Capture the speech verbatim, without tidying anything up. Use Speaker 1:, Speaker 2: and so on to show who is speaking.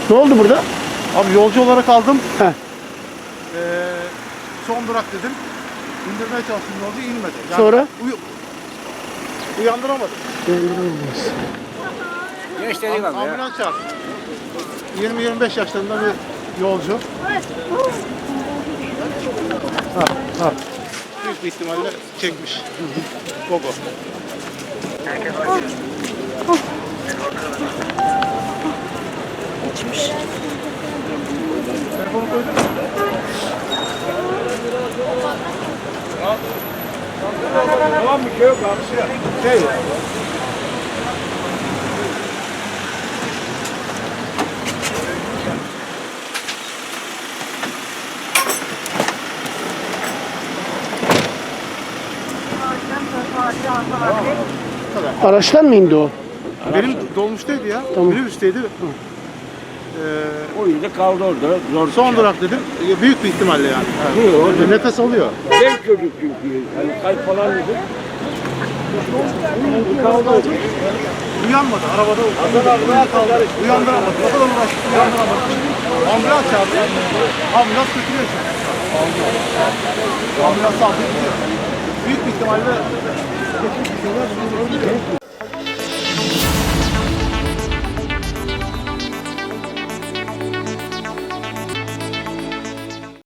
Speaker 1: Ne oldu burada?
Speaker 2: Abi yolcu olarak aldım.
Speaker 1: Heh.
Speaker 2: Ee, son durak dedim. İndirmeye çalıştım yolcu inmedi. Yani
Speaker 1: Sonra?
Speaker 2: Uy uyandıramadım.
Speaker 3: Geç dedik abi ya.
Speaker 2: Ambulans çağırdım. yirmi yirmi beş yaşlarında bir yolcu. Ha, ha. Büyük bir ihtimalle çekmiş. Gogo.
Speaker 4: Geçmiş.
Speaker 2: Telefonu koydun mu?
Speaker 3: Tamam bir şey yok abi.
Speaker 2: Şey. Bu kadar.
Speaker 1: Araçtan mı indi o?
Speaker 2: Benim dolmuştaydı ya.
Speaker 1: Tamam.
Speaker 2: Minibüsteydi. Ee,
Speaker 3: O yüzden kaldı orada. Zor
Speaker 2: son durak dedim. Ee, Büyük bir ihtimalle yani.
Speaker 3: Yok.
Speaker 2: Nefes alıyor.
Speaker 3: Genç çocuk çünkü. Hani kalp falan dedi.
Speaker 2: Kaldı orada. Uyanmadı. Arabada kaldı. Uyandıramadı. O kadar uğraştık. Uyandıramadı. Ambulans çağırdı. Ambulans götürüyor şimdi. Ambulans aldı gidiyor. Büyük bir ihtimalle geçmiş bir şeyler.